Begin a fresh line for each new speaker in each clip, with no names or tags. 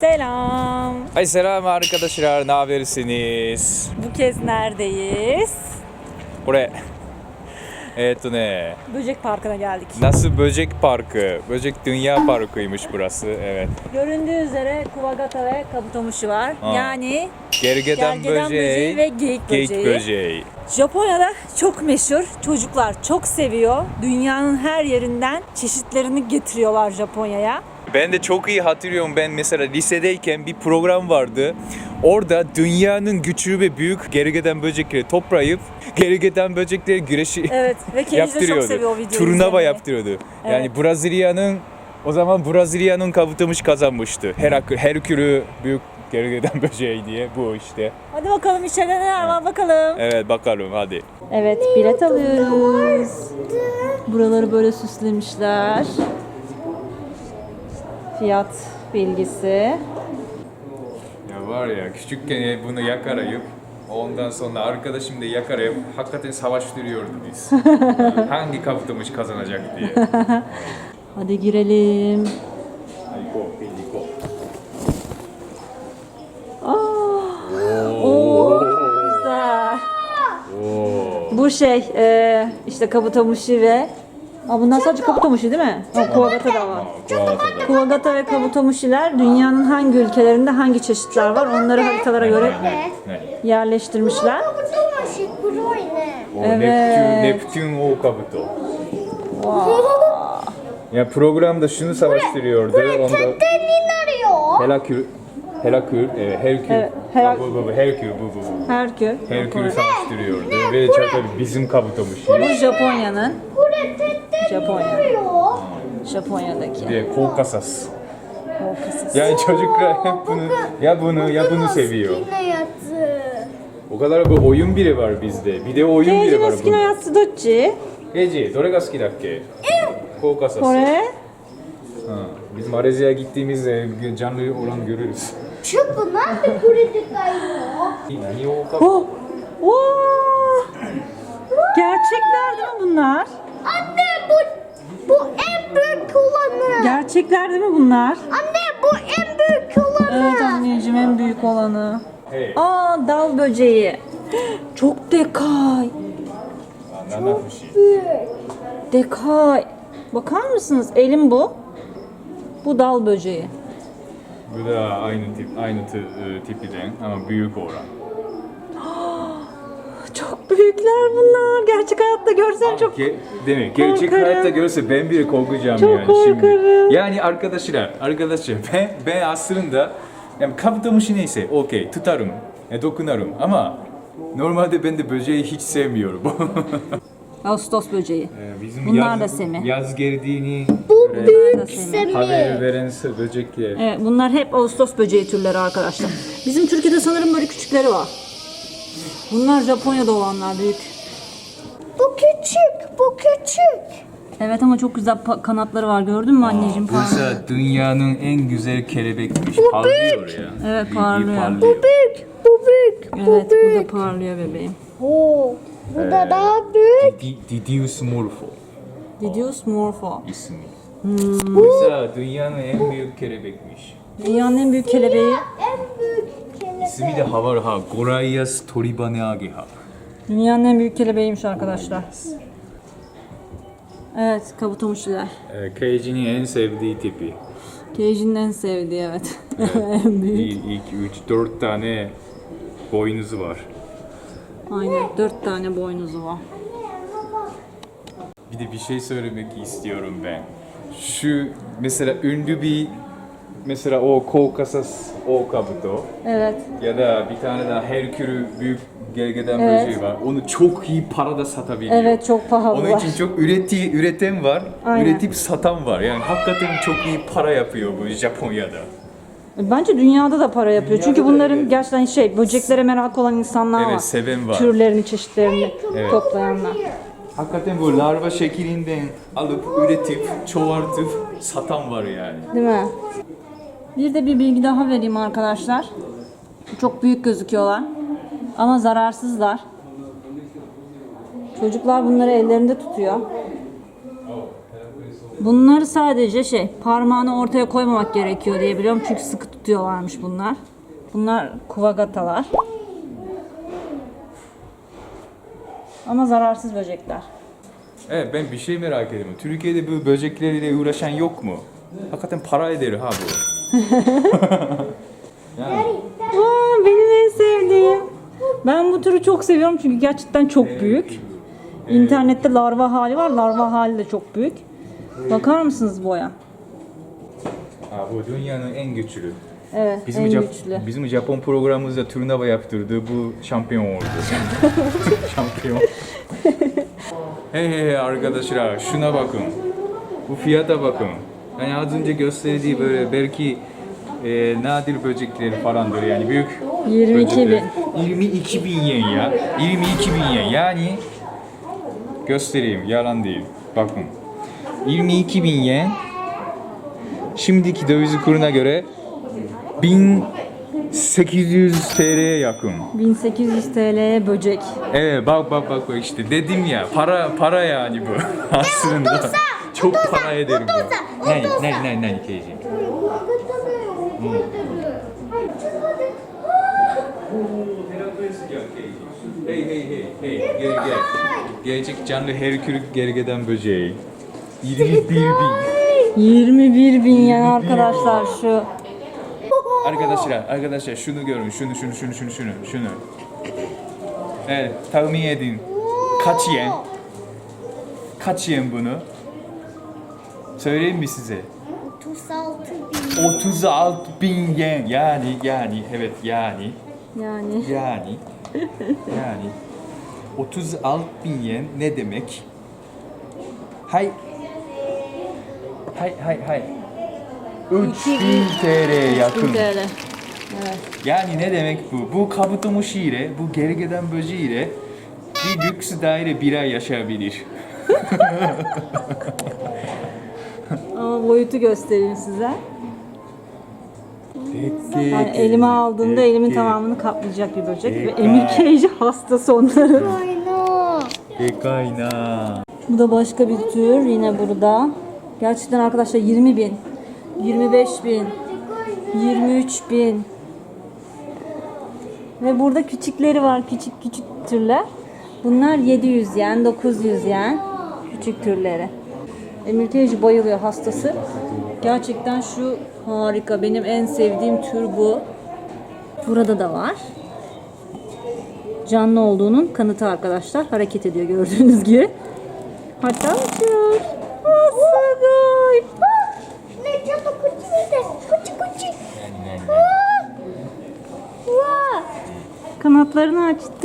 Selam.
Ay selam arkadaşlar, ne habersiniz?
Bu kez neredeyiz?
これ
Böcek Parkı'na geldik.
Nasıl Böcek Parkı, Böcek Dünya Parkı'ymış burası, evet.
Göründüğü üzere Kuvagata ve Kabutomushi var.
Ha.
Yani
Gergedan
böceği ve geyik böceği. Japonya'da çok meşhur. Çocuklar çok seviyor. Dünyanın her yerinden çeşitlerini getiriyorlar Japonya'ya.
Ben de çok iyi hatırlıyorum, ben mesela lisedeyken bir program vardı. Orada dünyanın küçük ve büyük gergedan böcekleri toplayıp gergedan böcekleri güreşi
Evet ve Keiji de çok
yaptırıyordu.
seviyor o videoyu
Turnuva
izlemeyi.
yaptırıyordu.
Evet.
Yani o zaman Brezilya'nın Kabutomushi kazanmıştı. Herkülü büyük gergedan böceği diye bu işte.
Hadi bakalım içeride neler var bakalım.
Evet bakalım hadi.
Evet, bilet alıyoruz. Buraları böyle süslemişler. Fiyat bilgisi.
Ya var ya küçükken bunu yakalayıp ondan sonra arkadaşım da yakalayıp hakikaten savaştırıyordu biz. Hangi Kabutomushi kazanacak diye.
Hadi girelim. Oo, güzel. Bu işte Kabutomushi ve bunlar sadece Kabutomushi değil mi? Kuwagata da var. Kuwagata ve Kabutomushi'ler dünyanın hangi ülkelerinde hangi çeşitler var onları haritalara göre yerleştirmişler. Evet.
Neptün o Kabuto. Ya programda şunu savaştırıyordu. Onda Herkül, Herkül savaştırıyordu ve tabii bizim Kabutomushi.
Bu Japonya'daki.
Bir de Koukasas. Yani çocuklar hep bunu seviyor. O kadar bir oyun biri var bizde. Bir de oyun biri
Keiji
var
no suki no yatsu docchi?
Keiji, どれが好きだっけ? Koukasas.
Kore?
Biz Malezya'ya gittiğimizde canlı olan görürüz.
ちょっとなんでこれでかいの
何を
Oh! Wow! Gerçekler değil mi bunlar?
Anne bu en büyük olanı.
Gerçekler değil mi bunlar?
Anne bu en büyük olanı.
Evet anneciğim en büyük olanı.
Hey.
Dal böceği. Çok dekay. Dekay. Bakar mısınız? Elim bu. Bu dal böceği.
Bu da aynı tipiden ama büyük olan.
Çok büyükler bunlar. Gerçek hayatta görsem çok...
Demek gerçek
korkarım.
hayatta görse ben bile korkacağım
Çok
yani
korkarım.
şimdi. Yani arkadaşlar ben aslında yani Kabutomushi neyse okey tutarım, dokunarım ama normalde ben de böceği hiç sevmiyorum.
Ağustos böceği.
Bizim
Bunlar da semi.
yaz geldiğini
Bunlar da semi.
haber veren böcekler.
Evet, bunlar hep Ağustos böceği türleri arkadaşlar. Bizim Türkiye'de sanırım böyle küçükleri var. Bunlar Japonya'da olanlar büyük.
Bu küçük, bu küçük.
Evet ama çok güzel kanatları var gördün mü anneciğim?
Mesela dünyanın en güzel kelebekmiş. Parlıyor ya.
Evet,
İyi
parlıyor.
parlıyor.
Büyük, bu büyük, bu
Evet bu da
büyük.
parlıyor bebeğim.
Oo, bu da daha büyük.
Didius morpho
Didius morpho.
ismi. Mesela dünyanın en büyük kelebekmiş.
Dünyanın en büyük kelebeği.
En büyük kelebek.
İsmi de Havarha, Goraias toribane ageha.
Dünyanın en büyük kelebeğiymiş arkadaşlar. Evet kabutomushiler.
Keiji'nin en sevdiği tipi.
Keiji'nin en sevdiği evet. En büyük.
1, 2, 3, 4 tane boynuzu var.
Aynen 4 tane boynuzu var.
Bir de bir şey söylemek istiyorum ben. Şu mesela ünlü bir mesela o Koukasas o kabuto
Evet.
ya da bir tane daha Herkülü büyük gergedan
Evet.
böceği var. Onu çok iyi parada satabiliyor.
Evet çok pahalı.
Onun için çok üreten var,
Aynen.
üretip satan var. Yani hakikaten çok iyi para yapıyor bu Japonya'da.
Bence dünyada da para yapıyor.
Dünyada
Çünkü
da
bunların
evet.
gerçekten böceklere merak olan insanlar var.
Evet, seven var.
Türlerini, çeşitlerini toplayanlar.
Hakikaten bu larva şeklinden alıp üretip, çoğaltıp satan var yani.
Değil mi? Bir de bir bilgi daha vereyim arkadaşlar. Çok büyük gözüküyorlar. Ama zararsızlar. Çocuklar bunları ellerinde tutuyor. Bunları sadece parmağını ortaya koymamak gerekiyor diye biliyorum. Çünkü sıkı tutuyorlarmış bunlar. Bunlar kuvagatalar. Ama zararsız böcekler.
Evet, ben bir şey merak ediyorum. Türkiye'de bu böcekleriyle uğraşan yok mu? Hakikaten para eder ha bu. Yani,
Aa, benim en sevdiğim. Ben bu türü çok seviyorum çünkü gerçekten çok büyük. İnternette larva hali var. Larva hali de çok büyük. Bakar mısınız boya?
ha, bu dünyanın en güçlü.
Evet,
Bizim,
en
Jap-
güçlü.
bizim Japon programımızda turnuva yaptırdı. Bu şampiyon oldu. Şampiyon. Hey arkadaşlar, şuna bakın. Bu fiyata bakın. Yani az önce gösterdiği böyle belki nadir böcekleri falandır yani büyük
22 bin.
22 bin yen ya. 22 bin yen yani göstereyim, yalan değil. Bakın. 22 bin yen şimdiki döviz kuruna göre 1800 TL'ye yakın.
1800 TL'ye böcek.
Evet bak işte dedim ya para yani bu aslında. Çok para eder bu. Ne Keiji? Hey gel. Gelecek canlı herkülük gergeden böceği. 21 bin.
21 bin yen arkadaşlar şu.
Arkadaşlar şunu görün. Şunu. Evet, tahmin edin. Kaç yen? Kaç yen bunu? Söyleyeyim mi size? 36 bin yen. Yani evet yani 36 bin yen ne demek? Hay. 3000 TL yakın.
3000 TL. Evet.
Yani ne demek bu? Bu kabutomushi ile, bu gergedan böceği ile bir lüks daire bir ay yaşayabilir.
Ama boyutu göstereyim size. Yani elime aldığımda elimin tamamını kaplayacak bir böcek. Ve Emir Keiji hastası onların.
Dekayna.
Bu da başka bir tür yine burada. Gerçekten arkadaşlar 20 bin, 25 bin, 23 bin. Ve burada küçükleri var, küçük türler. Bunlar 700 yen, 900 yen. Küçük türleri. Emir Keiji bayılıyor hastası. Gerçekten şu harika. Benim en sevdiğim tür bu. Burada da var. Canlı olduğunun kanıtı arkadaşlar. Hareket ediyor gördüğünüz gibi. Hatta uçuyor. Asagay. Kanatlarını açtı.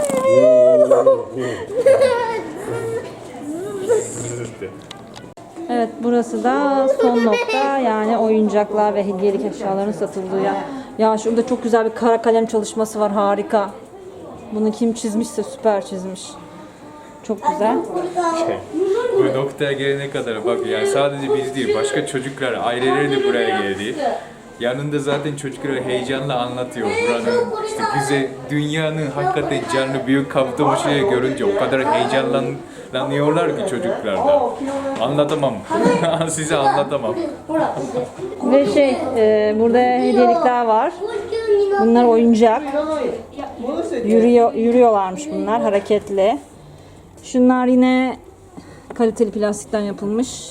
Evet, burası da son nokta, yani oyuncaklar ve hediyelik eşyaların satıldığı yer. Ya şurada çok güzel bir kara kalem çalışması var, harika. Bunu kim çizmişse süper çizmiş. Çok güzel.
Bu noktaya gelene kadar bak yani sadece biz değil başka çocuklar aileleri de buraya geldi. Yanında zaten çocuklar heyecanla anlatıyor buranın işte bize dünyanın hakikaten canlı büyük kabutomuşiyi görünce o kadar heyecanlanıyorlar ki çocuklar da. Anlatamam. Size anlatamam.
Ve burada hediyelikler var. Bunlar oyuncak. Yürüyorlarmış bunlar, hareketli. Şunlar yine kaliteli plastikten yapılmış.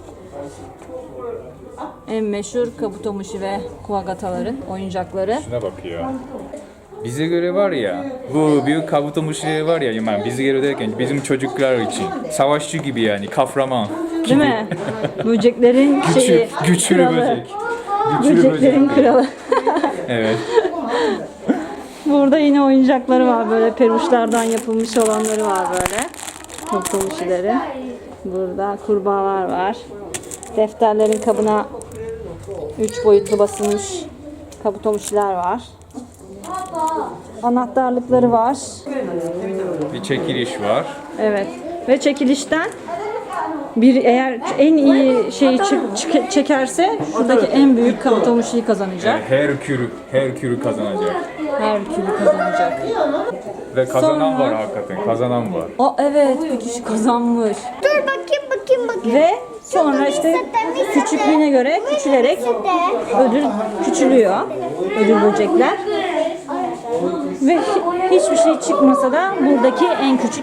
En meşhur kabutomushi ve kuwagataların oyuncakları.
Şuna bak ya. Bize göre var ya, bu büyük kabutomuşi var ya, yani bize göre derken bizim çocuklar için savaşçı gibi yani, kahraman.
Değil mi? Böceklerin
Güçlü
kralı.
böcek. Güçlü
Böceklerin
böcek.
kralı.
Evet.
Burada yine oyuncakları var, böyle peruşlardan yapılmış olanları var böyle. Kabutomushileri. Burada kurbağalar var. Defterlerin kabına 3 boyutlu basılmış kabutomushiler var. Anahtarlıkları var.
Bir çekiliş var.
Evet. Ve çekilişten eğer en iyi şeyi çekerse şuradaki en büyük kabutomushiyi kazanacak.
Herkülü kazanacak.
Herkülü kazanacak.
Ve kazanan
Sonra-
var hakikaten, kazanan var.
Evet, bir kişi kazanmış.
Dur bakayım.
Ve Sonra işte küçüklüğüne göre küçülerek ödül küçülüyor. Ödül böcekler. Ve hiçbir şey çıkmasa da buradaki en küçük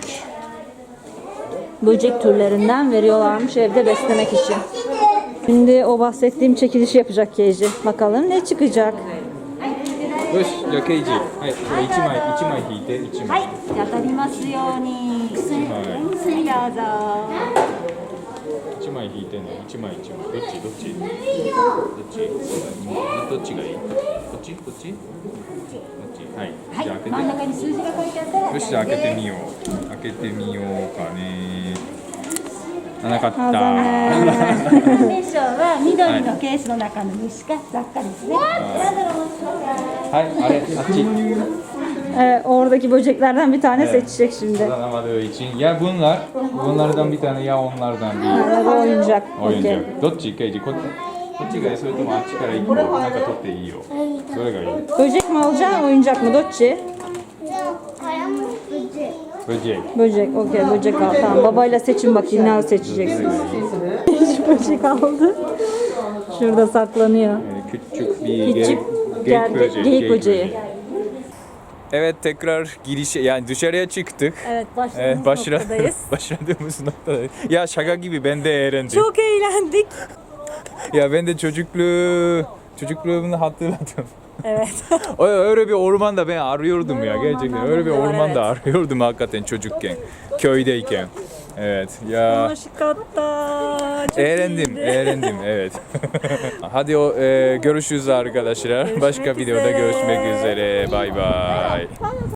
böcek türlerinden veriyorlarmış evde beslemek için. Şimdi o bahsettiğim çekilişi yapacak Keiji. Bakalım ne çıkacak.
よし、じゃあケイジ、はい、これ1枚引いて、1枚。
じゃあ当たりますように。薬どうぞ。
1枚引いてね、1枚。どっちどっちどっちがいいこっちこっちはい。じゃあ開けて。
真ん中に数字が書いてあったら。
よし、じゃあ開けてみよう。開けてみようかね。なかった。
年少は緑のケースの中の虫か雑貨ですね。
はい、あれ、あっち。
Oradaki böceklerden bir tane seçecek şimdi.
Kazanamadığı için ya bunlardan bir tane ya onlardan bir
Ya da oyuncak. Okey.
oyuncak. どっちケイジこっちがいいそれともあっちから一個なんか取っていいよ。どれがいい？
Böcek mi alacaksın, oyuncak mı? Dotçi?
Böcek.
Böcek. Okey, böcek al. Tamam, babayla seçin bakayım ne seçeceksin. Hiç böcek aldı. Şurada saklanıyor.
Küçük bir
Küçük geyik böceği.
Evet tekrar girişe yani dışarıya çıktık.
Evet,
Evet,
başladığımız noktadayız.
başladığımız noktadayız. Ya şaka gibi ben de eğlendim.
Çok eğlendik.
Ya ben de çocukluğumu hatırladım.
Evet.
Öyle bir ormanda ben arıyordum ya
Böyle
gerçekten.
ormanlar
Öyle bir
da var,
ormanda arıyordum hakikaten çocukken. Köydeyken. Evet ya.
Çok
Eğlendim evet. Hadi görüşürüz arkadaşlar. Başka videoda görüşmek üzere. Bay bay.